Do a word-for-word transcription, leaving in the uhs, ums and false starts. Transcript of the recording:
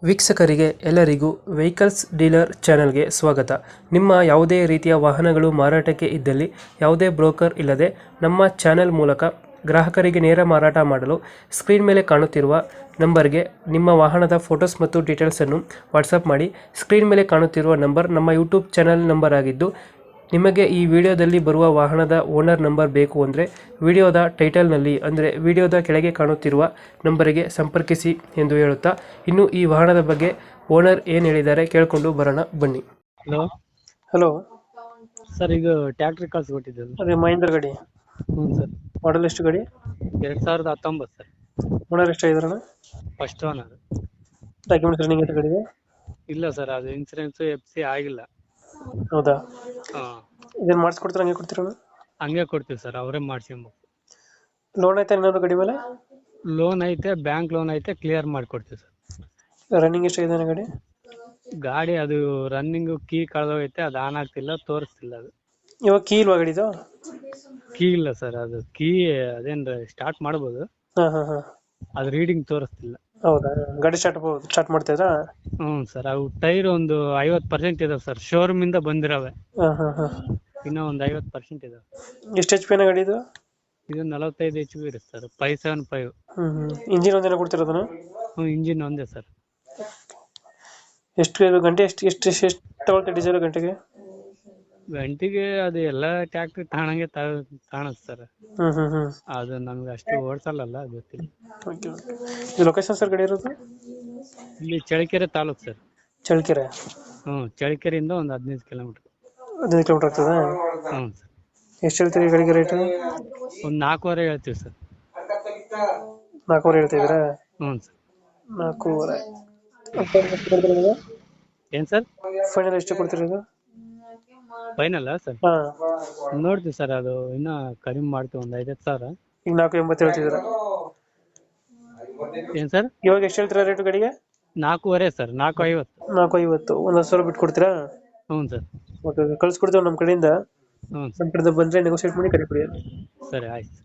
ವೀಕ್ಷಕರಿಗೆ ಎಲ್ಲರಿಗೂ vehicles dealer ಚಾನೆಲ್ಗೆ ಸ್ವಾಗತ. ನಿಮ್ಮ ಯಾವುದೇ ರೀತಿಯ ವಾಹನಗಳು ಮಾರಾಟಕ್ಕೆ ಇದ್ದಲ್ಲಿ ಯಾವುದೇ ಬ್ರೋಕರ್ ಇಲ್ಲದೆ ನಮ್ಮ ಚಾನೆಲ್ ಮೂಲಕ ಗ್ರಾಹಕರಿಗೆ ನೇರ ಮಾರಾಟ ಮಾಡಲು ಸ್ಕ್ರೀನ್ ಮೇಲೆ ಕಾಣುತ್ತಿರುವ ನಂಬರ್ಗೆ ನಿಮ್ಮ ವಾಹನದ ಫೋಟೋಸ್ ಮತ್ತು ಡೀಟೇಲ್ಸನ್ನು ವಾಟ್ಸಪ್ ಮಾಡಿ. ಸ್ಕ್ರೀನ್ ಮೇಲೆ ಕಾಣುತ್ತಿರುವ ನಂಬರ್ ನಮ್ಮ ಯೂಟ್ಯೂಬ್ ಚಾನೆಲ್ ನಂಬರ್ ಆಗಿದ್ದು, ನಿಮಗೆ ಈ ವಿಡಿಯೋದಲ್ಲಿ ಬರುವ ವಾಹನದ ಓನರ್ ನಂಬರ್ ಬೇಕು ಅಂದರೆ ವಿಡಿಯೋದ ಟೈಟಲ್ನಲ್ಲಿ ಅಂದರೆ ವಿಡಿಯೋದ ಕೆಳಗೆ ಕಾಣುತ್ತಿರುವ ನಂಬರಿಗೆ ಸಂಪರ್ಕಿಸಿ ಎಂದು ಹೇಳುತ್ತಾ, ಇನ್ನು ಈ ವಾಹನದ ಬಗ್ಗೆ ಓನರ್ ಏನು ಹೇಳಿದ್ದಾರೆ ಕೇಳಿಕೊಂಡು ಬರೋಣ ಬನ್ನಿ. ಹಲೋ ಹಲೋ ಸರ್, ಇದು ಟ್ಯಾಕ್ಟ್ರಿ ಕಳ್ಸಿಕೊಟ್ಟಿದ್ದಲ್ಲ. ಅದೇ ಮಹೇಂದ್ರ ಗಾಡಿ ಹ್ಞೂ ಸರ್, ಮಾಡಲ್ ಎಷ್ಟು ಗಾಡಿ? ಎರಡು ಸಾವಿರದ ಹತ್ತೊಂಬತ್ತು ಸರ್. ಓನರ್ ಎಷ್ಟಾಗಿದಾರಣ? First owner. ಡಾಕ್ಯುಮೆಂಟ್ಸ್ ರನ್ನಿಂಗ್ ಅಂತ ಗಾಡಿಗೆ? ಇಲ್ಲ ಸರ್, ಅದು ಇನ್ಸೂರೆನ್ಸ್ ಎಫ್ ಸಿ ಆಗಿಲ್ಲ. ಹೌದಾ? ಹಾಂ, ಇದನ್ನು ಮಾಡಿಸ್ಕೊಡ್ತಾರೆ ಹಂಗೆ ಕೊಡ್ತೀರಣ? ಹಂಗೆ ಕೊಡ್ತೀವಿ ಸರ್, ಅವರೇ ಮಾಡಿಸ್ಕೊಂಬೇಕು. ಲೋನ್ ಆಯ್ತಾ ಏನಾದ್ರು ಗಾಡಿ ಮೇಲೆ? ಲೋನ್ ಐತೆ, ಬ್ಯಾಂಕ್ ಲೋನ್ ಐತೆ, ಕ್ಲಿಯರ್ ಮಾಡಿಕೊಡ್ತೀವಿ ಸರ್. ರನ್ನಿಂಗ್ ಎಷ್ಟಾಗಿದೆ ಗಾಡಿ? ಗಾಡಿ ಅದು ರನ್ನಿಂಗು ಕೀ ಕಳೆದೋಗೈತೆ, ಅದು ಆನ್ ಆಗ್ತಿಲ್ಲ, ತೋರಿಸ್ತಿಲ್ಲ. ಅದು ಇವಾಗ ಕೀ ಇಲ್ವಾ ಗಾಡಿದು? ಕೀ ಇಲ್ಲ ಸರ್, ಅದು ಕೀ ಅದೇನು ಸ್ಟಾರ್ಟ್ ಮಾಡ್ಬೋದು, ಹಾಂ ಹಾಂ ಹಾಂ ಅದು ರೀಡಿಂಗ್ ತೋರಿಸ್ತಿಲ್ಲ. ಹೌದಾ? ಗಾಡಿ ಸ್ಟಾರ್ಟ್ ಸ್ಟಾರ್ಟ್ ಮಾಡ್ತಿದ್ರಾ? ಹ್ಞೂ ಸರ್, ಅವು ಟೈರ್ ಒಂದು ಐವತ್ತು ಪರ್ಸೆಂಟ್ ಇದಾವೆ ಸರ್, ಶೋರೂಮಿಂದ ಬಂದಿರವೆ. ಹಾಂ ಹಾಂ ಹಾಂ ಇನ್ನೂ ಒಂದು ಐವತ್ತು ಪರ್ಸೆಂಟ್ ಇದಾವೆ. ಎಷ್ಟು ಎಚ್ ಪಿನ ಗಾಡಿ ಇದು? ಇದು ನಲವತ್ತೈದು ಎಚ್ ಪಿ ಇರುತ್ತೆ ಸರ್, ಫೈವ್ ಸೆವೆನ್ ಫೈವ್. ಹ್ಞೂ ಹ್ಞೂ ಇಂಜಿನ್ ಒಂದೇನ ಕೊಡ್ತಿರೋದನ್ನ? ಹ್ಞೂ, ಇಂಜಿನ್ ಒಂದೇ ಸರ್. ಎಷ್ಟು ಇದು ಗಂಟೆ ಎಷ್ಟು ಎಷ್ಟು ಎಷ್ಟು ತಗೊಳ್ತೆ ಡೀಸೆಲ್ ಗಂಟೆಗೆ? ಗಂಟೆಗೆ ಅದು ಎಲ್ಲ ಟ್ಯಾಕ್ಟ್ರಿ ತಾಣಂಗೆ ಕಾಣುತ್ತೆ ಸರ್. ಹ್ಞೂ ಹ್ಞೂ ಹ್ಞೂ ಅದು ನಮ್ಗೆ ಅಷ್ಟು ಓಡಿಸಲ್ಲ, ಗೊತ್ತಿಲ್ಲ. Okay okay. ಇದು ಲೊಕೇಶನ್ ಸರ್ ಗಾಡಿ ಇರೋದು? ಇಲ್ಲಿ ಚಳ್ಳಕೆರೆ ತಾಲೂಕು ಸರ್. ಚಳ್ಳಕೆರೆ? ಹ್ಞೂ, ಚಳ್ಳಕೆರೆಯಿಂದ ಒಂದು ಹದಿನೈದು ಕಿಲೋಮೀಟ್ರ್. ಹದಿನೈದು ಕಿಲೋಮೀಟ್ರ್ ಆಗ್ತದಾ? ಹ್ಞೂ ಸರ್. ಎಷ್ಟು ಹೇಳ್ತೀರಿ ಗಾಡಿಗೆ ರೇಟು? ಒಂದು ನಾಲ್ಕೂವರೆ ಹೇಳ್ತೀವಿ ಸರ್. ನಾಲ್ಕೂವರೆ ಹೇಳ್ತಿದ್ದೀರಾ? ಹ್ಞೂ ಸರ್. ನಾಲ್ಕೂವರೆ ಏನು ಸರ್? ಫೈನಲ್ ಎಷ್ಟು ಕೊಡ್ತಿರೋದು? ಫೈನಲ್ಲ ಸರ್? ಹಾಂ, ನೋಡ್ತೀವಿ ಸರ್, ಅದು ಇನ್ನೂ ಕಡಿಮೆ ಮಾಡ್ತೀವಿ, ಒಂದು ಐದತ್ತು ಸಾವಿರ. ಈಗ ನಾಲ್ಕು ಎಂಬತ್ತು ಹೇಳ್ತಿದ್ದೀರಾ? ಏನು ಸರ್? ಇವಾಗ ಎಷ್ಟು ಹೇಳ್ತೀರಾ ರೇಟು ಗಾಡಿಗೆ? ನಾಲ್ಕೂವರೆ ಸರ್, ನಾಲ್ಕು ಐವತ್ತು. ನಾಲ್ಕು ಐವತ್ತು. ಒಂದು ಹತ್ತು ಸಾವಿರ ಬಿಟ್ಟು ಕೊಡ್ತೀರಾ? ಹ್ಞೂ ಸರ್. ಓಕೆ ಓಕೆ, ಕಳ್ಸ್ಕೊಡ್ತೇವೆ ನಮ್ಮ ಕಡೆಯಿಂದ. ಹ್ಞೂ ನಮ್ಮ ಸರ್, ಕಡೆಯಿಂದ ಬಂದರೆ ನೆಗೋಸಿಯೇಟ್ ಮಾಡಿ ಕಡೆ ಕೊಡಿ. ಸರಿ ಆಯ್ತು.